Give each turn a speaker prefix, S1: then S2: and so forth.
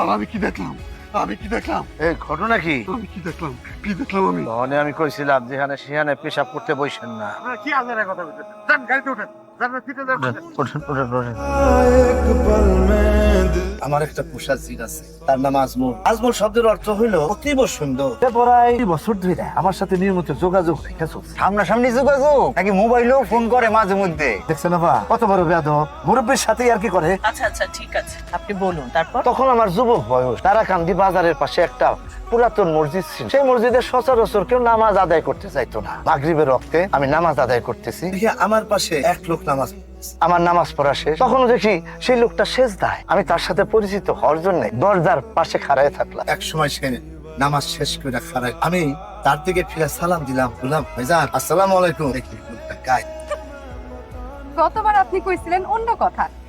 S1: আর আমি কি দেখলাম, আমি কি দেখলাম,
S2: এই ঘটনা কি?
S1: আমি কি দেখলাম, কি দেখলাম আমি?
S2: তখনই আমি কইছিলাম যেখানে সেখানে পেশাব করতে বসেন না।
S1: আপনারা কি আজারের কথা বলছেন? যান গাড়িতে ওঠেন, যান ফিরে যান।
S2: ওঠেন, ওঠেন, ওঠেন।
S3: আমার একটা পোষা জিন আছে, তার নাম আজমল। আজমল শব্দের অর্থ হইল অতীব সুন্দর। প্রায় 2 বছর ধরে আমার সাথে নিয়মিত যোগাযোগ রেখে চলছে।
S4: সামনাসামনি যোগাযোগ নাকি মোবাইলেও ফোন করে মাঝে মধ্যে?
S3: দেখছেন না বা কত বড় বেয়াদব, মুরব্বীর সাথে আর কি করে।
S5: আচ্ছা আচ্ছা ঠিক আছে, আপনি বলুন তারপর।
S3: তখন আমার যুবক বয়স, তারাকান্দি বাজারের পাশে একটা পুরাতন মসজিদ ছিল। সেই মসজিদে সচরাচর কেউ নামাজ আদায় করতে চাইতো না। মাগরিবের রক্তে আমি নামাজ আদায় করতেছি, দেখি আমার পাশে এক লোক নামাজ পড়তেছে। আমার নামাজ পড়া শেষ, তখনও দেখি সেই লোকটা সেজদায়। আমি তার সাথে পরিচিত হওয়ার জন্য দরজার পাশে খাড়ায় থাকলাম। এক সময় সে নামাজ শেষ করে খাড়ায়, আমি তার দিকে ফিরে সালাম দিলাম, বললাম ভাইজান আসসালামু আলাইকুম। দেখি লোকটা গায়ে।
S6: গতবার আপনি কইছিলেন অন্য কথা,